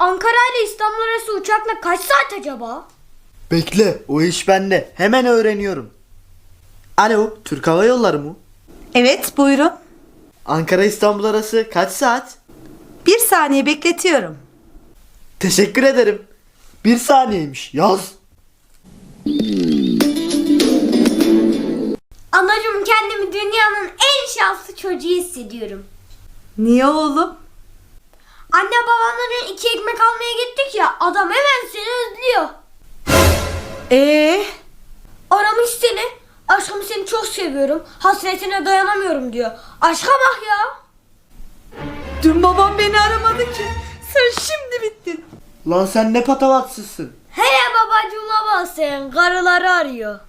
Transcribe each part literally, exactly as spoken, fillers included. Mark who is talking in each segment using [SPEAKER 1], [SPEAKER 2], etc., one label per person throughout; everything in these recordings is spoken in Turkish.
[SPEAKER 1] Ankara ile İstanbul arası uçakla kaç saat acaba?
[SPEAKER 2] Bekle, o iş bende. Hemen öğreniyorum. Alo, Türk Hava Yolları mı?
[SPEAKER 3] Evet, buyurun.
[SPEAKER 2] Ankara İstanbul arası kaç saat?
[SPEAKER 3] Bir saniye bekletiyorum.
[SPEAKER 2] Teşekkür ederim. Bir saniyeymiş. Yaz.
[SPEAKER 1] Anacığım, kendimi dünyanın en şanslı çocuğu hissediyorum.
[SPEAKER 3] Niye oğlum?
[SPEAKER 1] Anne babamların iki ekmek almaya gittik ya, adam hemen seni özlüyor.
[SPEAKER 3] Ee,
[SPEAKER 1] Aramış seni. Aşkım seni çok seviyorum. Hasretine dayanamıyorum diyor. Aşka bak ya.
[SPEAKER 3] dün babam beni aramadı ki. Sen şimdi bittin.
[SPEAKER 2] Lan sen ne patavatsızsın.
[SPEAKER 1] Hele babacığıma bak sen. Karıları arıyor.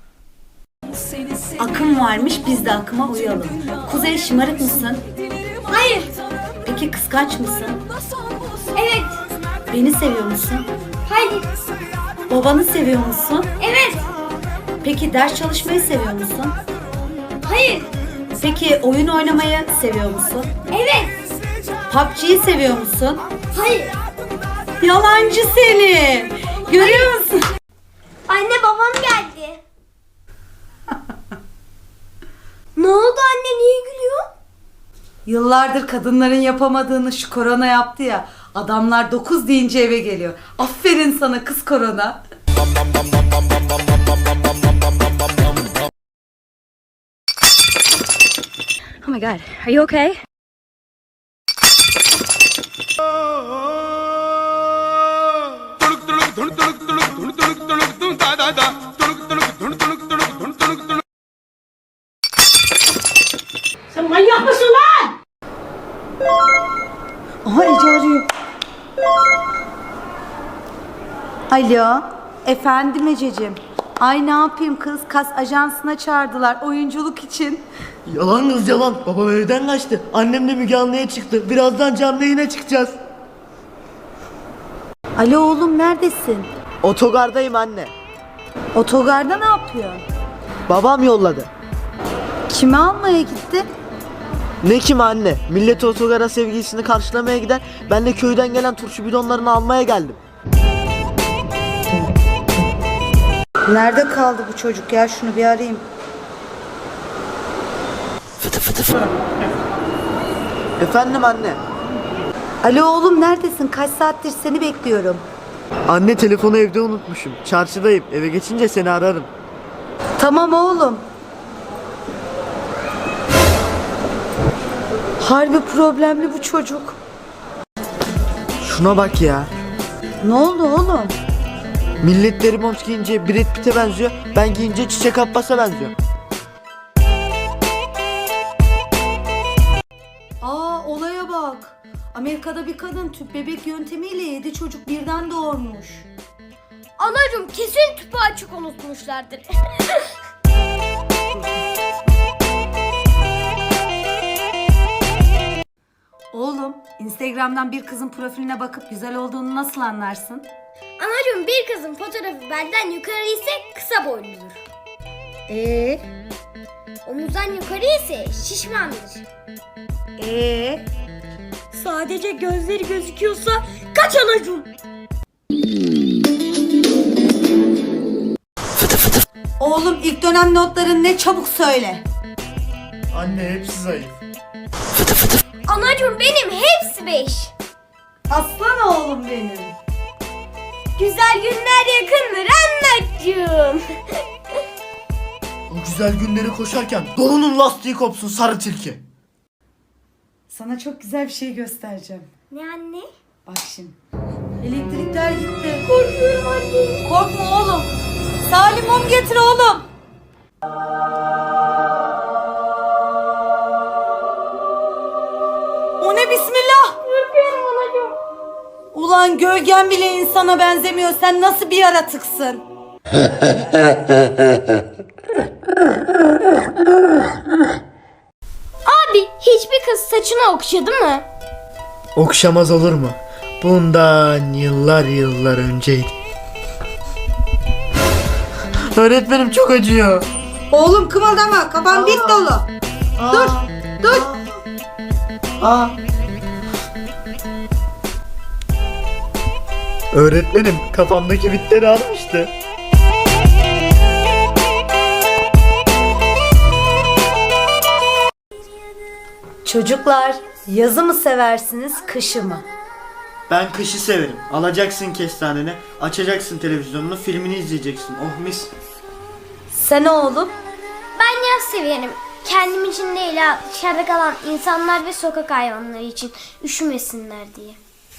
[SPEAKER 3] Akım varmış, biz de akıma uyalım. Kuzey, şımarık mısın?
[SPEAKER 1] Hayır.
[SPEAKER 3] Peki kıskanç mısın?
[SPEAKER 1] Evet.
[SPEAKER 3] Beni seviyor musun?
[SPEAKER 1] Hayır.
[SPEAKER 3] Babanı seviyor musun?
[SPEAKER 1] Evet.
[SPEAKER 3] Peki ders çalışmayı seviyor musun?
[SPEAKER 1] Hayır.
[SPEAKER 3] Peki oyun oynamayı seviyor musun?
[SPEAKER 1] Evet.
[SPEAKER 3] P U B G'yi seviyor musun?
[SPEAKER 1] Hayır.
[SPEAKER 3] Yalancı seni. Görüyor musun?
[SPEAKER 1] Anne babam geldi. Ne oldu anne, niye gülüyor?
[SPEAKER 3] Yıllardır kadınların yapamadığını şu korona yaptı ya. Adamlar dokuz deyince eve geliyor. Aferin sana kız korona.
[SPEAKER 4] Oh my god, are you okay?
[SPEAKER 5] Sen manyak mısın lan?
[SPEAKER 3] Aha Ece arıyor. Alo. Efendim Ececiğim. Ay ne yapayım kız, kas ajansına çağırdılar oyunculuk için.
[SPEAKER 2] Yalan kız yalan. Babam evden kaçtı. Annem de Müge Anlı'ya çıktı. Birazdan canlı yayına çıkacağız.
[SPEAKER 3] Alo oğlum, neredesin?
[SPEAKER 2] Otogardayım anne.
[SPEAKER 3] Otogarda ne yapıyorsun?
[SPEAKER 2] Babam yolladı.
[SPEAKER 3] Kimi almaya gitti?
[SPEAKER 2] Ne kim anne? Millet otogara sevgilisini karşılamaya gider. Ben de köyden gelen turşu bidonlarını almaya geldim.
[SPEAKER 3] Nerede kaldı bu çocuk ya, şunu bir arayayım.
[SPEAKER 2] Fıtı fıtı fıtı. Efendim anne.
[SPEAKER 3] Alo oğlum, neredesin? Kaç saattir seni bekliyorum.
[SPEAKER 2] Anne, telefonu evde unutmuşum. Çarşıdayım. Eve geçince seni ararım.
[SPEAKER 3] Tamam oğlum. Harbi problemli bu çocuk.
[SPEAKER 2] Şuna bak ya.
[SPEAKER 3] Ne oldu oğlum?
[SPEAKER 2] Milletleri mont giyince Brad Pitt'e benziyor. Ben giyince Çiçek Abbas'a benziyor.
[SPEAKER 3] Aa, olaya bak. Amerika'da bir kadın tüp bebek yöntemiyle yedi çocuk birden doğurmuş.
[SPEAKER 1] Anacığım, kesin tüpü açık unutmuşlardır.
[SPEAKER 3] Oğlum, Instagram'dan bir kızın profiline bakıp güzel olduğunu nasıl anlarsın?
[SPEAKER 1] Anacığım, bir kızın fotoğrafı belden yukarı ise kısa boyludur.
[SPEAKER 3] Ee,
[SPEAKER 1] Omuzdan yukarı ise şişmandır.
[SPEAKER 3] ee.
[SPEAKER 1] Sadece gözleri gözüküyorsa kaç anacığım?
[SPEAKER 3] Oğlum, ilk dönem notların ne, çabuk söyle.
[SPEAKER 2] Anne, hepsi zayıf.
[SPEAKER 1] Anacığım, benim hepsi beş.
[SPEAKER 3] Aslan oğlum benim.
[SPEAKER 1] Güzel günler yakındır anacığım.
[SPEAKER 2] O güzel günleri koşarken donunun lastiği kopsun sarı tilki.
[SPEAKER 3] Sana çok güzel bir şey göstereceğim.
[SPEAKER 1] Ne anne?
[SPEAKER 3] Bak şimdi. Elektrikler gitti.
[SPEAKER 1] Korkuyorum anne.
[SPEAKER 3] Korkma oğlum. Salim, mum getir oğlum. O ne bismillah?
[SPEAKER 1] Korkuyorum anacığım.
[SPEAKER 3] Ulan gölgen bile insana benzemiyor. Sen nasıl bir yaratıksın?
[SPEAKER 1] Abi, hiçbir kız saçını okşadı mı?
[SPEAKER 2] Okşamaz olur mu? Bundan yıllar yıllar önceydi. Öğretmenim, çok acıyor.
[SPEAKER 3] Oğlum kımıldama. Kafan bit dolu. Dur. Dur.
[SPEAKER 2] Aa. Öğretmenim kafamdaki bitleri almıştı.
[SPEAKER 3] Çocuklar, yazı mı seversiniz, kışı mı?
[SPEAKER 2] Ben kışı severim. Alacaksın kestaneni, açacaksın televizyonunu, filmini izleyeceksin. Oh mis.
[SPEAKER 3] Sen oğlum?
[SPEAKER 1] Ben yaz severim. Kendim için değil ha, dışarıda kalan insanlar ve sokak hayvanları için üşümesinler diye.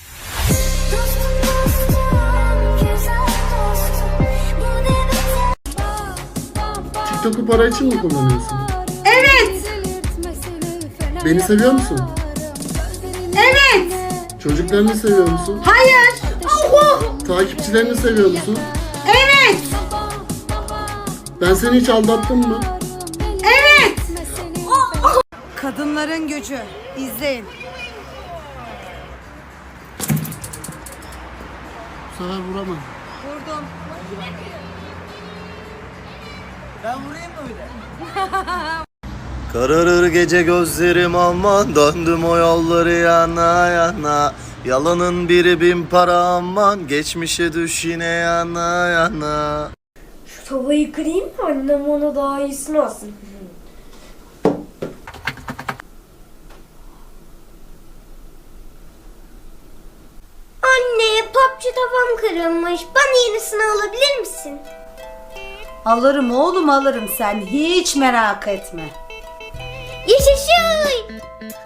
[SPEAKER 6] TikTok'u para için mi kullanıyorsun?
[SPEAKER 3] Evet!
[SPEAKER 6] Beni seviyor musun?
[SPEAKER 3] Evet!
[SPEAKER 6] Çocuklarını seviyor musun?
[SPEAKER 3] Hayır!
[SPEAKER 6] Takipçilerini seviyor musun?
[SPEAKER 3] Evet!
[SPEAKER 6] Ben seni hiç aldattım mı?
[SPEAKER 3] Evet! Kadınların gücü. İzleyin.
[SPEAKER 6] Bu sefer vuramadım.
[SPEAKER 3] Vurdum.
[SPEAKER 2] Ben vurayım mı öyle? Kararır gece gözlerim aman, döndüm o yolları yana yana. Yalanın biri bin para aman, geçmişe düş yine yana yana.
[SPEAKER 1] Şu tavayı kırayım mı annem ona daha iyisini alsın. Anne, popçu tavam kırılmış. Bana yenisini alabilir misin?
[SPEAKER 3] Alırım oğlum alırım, sen hiç merak etme.
[SPEAKER 1] Yaşasın!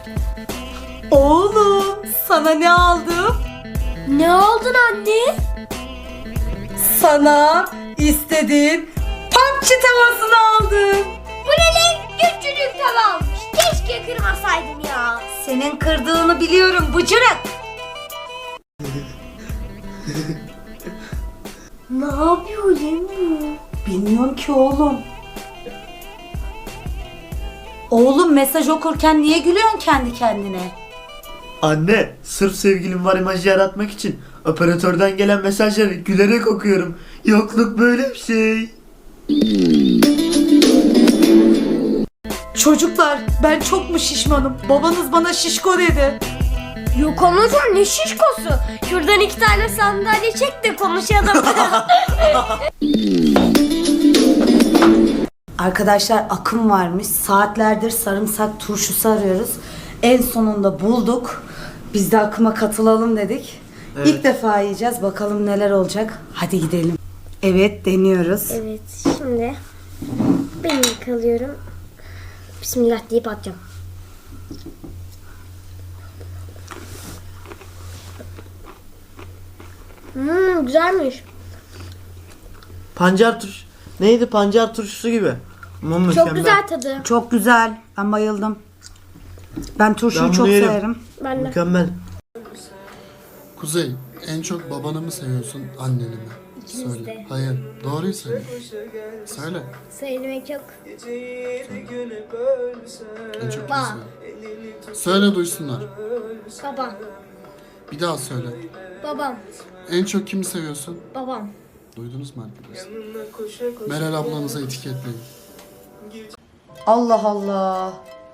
[SPEAKER 3] Oğlum sana ne aldım?
[SPEAKER 1] Ne aldın anne?
[SPEAKER 3] Sana istediğin papçı tavasını aldım.
[SPEAKER 1] Bu ne lan? Küçücük tava almış. Keşke kırmasaydım ya.
[SPEAKER 3] Senin kırdığını biliyorum bıcırık.
[SPEAKER 1] Ne yapıyor lan bu?
[SPEAKER 3] Bilmiyorum ki oğlum. Oğlum mesaj okurken niye gülüyorsun kendi kendine?
[SPEAKER 2] Anne, sırf sevgilim var imajı yaratmak için operatörden gelen mesajları gülerek okuyorum. Yokluk böyle bir şey.
[SPEAKER 3] Çocuklar ben çok mu şişmanım? Babanız bana şişko dedi.
[SPEAKER 1] Yok anacığım ne şişkosu. Şuradan iki tane sandalye çek de konuşalım.
[SPEAKER 3] Arkadaşlar akım varmış. Saatlerdir sarımsak turşusu arıyoruz. En sonunda bulduk. Biz de akıma katılalım dedik.
[SPEAKER 2] Evet.
[SPEAKER 3] İlk defa yiyeceğiz. Bakalım neler olacak. Hadi gidelim. Evet deniyoruz.
[SPEAKER 1] Evet şimdi ben yıkalıyorum. Bismillah deyip atacağım. Hmm, güzelmiş.
[SPEAKER 2] Pancar turş. Neydi pancar turşusu gibi. Ama
[SPEAKER 1] Çok
[SPEAKER 2] mükemmel.
[SPEAKER 1] güzel tadı.
[SPEAKER 3] Çok güzel. Ben bayıldım. Ben turşuyu
[SPEAKER 2] Ben bunu
[SPEAKER 3] çok
[SPEAKER 2] yerim.
[SPEAKER 3] severim.
[SPEAKER 1] Ben de.
[SPEAKER 2] Mükemmel.
[SPEAKER 6] Kuzey, en çok babanı mı seviyorsun, anneni mi? Söyle.
[SPEAKER 1] de.
[SPEAKER 6] Hayır, doğruyu söyle. Söyle.
[SPEAKER 1] Söylemek yok.
[SPEAKER 6] En çok kimi
[SPEAKER 1] Baba.
[SPEAKER 6] seviyorsun? Söyle duysunlar.
[SPEAKER 1] Babam.
[SPEAKER 6] Bir daha söyle.
[SPEAKER 1] Babam.
[SPEAKER 6] En çok kimi seviyorsun?
[SPEAKER 1] Babam.
[SPEAKER 6] Duydunuz mu arkadaşlar? Meral ablanıza etiketleyin.
[SPEAKER 3] Allah Allah.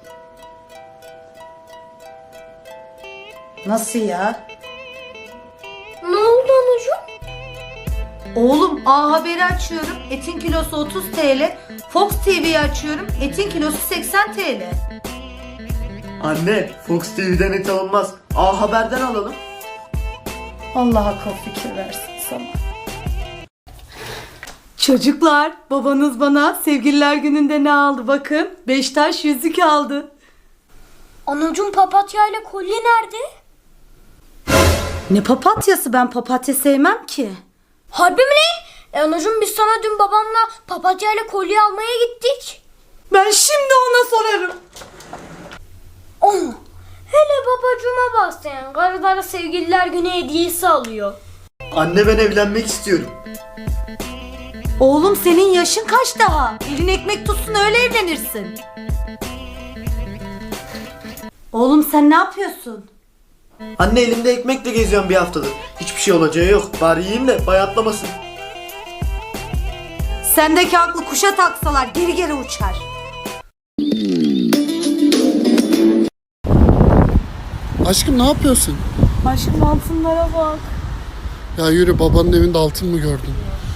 [SPEAKER 3] Nasıl ya?
[SPEAKER 1] Ne oldu anacığım?
[SPEAKER 3] Oğlum A Haber'i açıyorum. Etin kilosu otuz TL. Fox T V'yi açıyorum. Etin kilosu seksen TL.
[SPEAKER 2] Anne, Fox T V'den et alınmaz. A Haber'den alalım.
[SPEAKER 3] Allah akıl fikir versin sana. Çocuklar, babanız bana sevgililer gününde ne aldı bakın. Beş taş yüzük aldı.
[SPEAKER 1] Anacığım papatya ile kolye nerede?
[SPEAKER 3] Ne papatyası, ben papatya sevmem ki.
[SPEAKER 1] Harbi mi lan? E anacığım biz sana dün babamla papatya ile kolye almaya gittik.
[SPEAKER 3] Ben şimdi ona sorarım.
[SPEAKER 1] Oh, hele babacığıma bas sen. Karılara sevgililer günü hediyesi alıyor.
[SPEAKER 2] Anne ben evlenmek istiyorum.
[SPEAKER 3] Oğlum senin yaşın kaç daha? Elin ekmek tutsun öyle evlenirsin. Oğlum sen ne yapıyorsun?
[SPEAKER 2] Anne elimde ekmekle geziyorum bir haftadır. Hiçbir şey olacağı yok. Bari yiyeyim de bayatlamasın.
[SPEAKER 3] Sendeki aklı kuşa taksalar geri geri uçar.
[SPEAKER 6] Aşkım ne yapıyorsun?
[SPEAKER 3] Aşkım altınlara bak.
[SPEAKER 6] Ya yürü, babanın evinde altın mı gördün?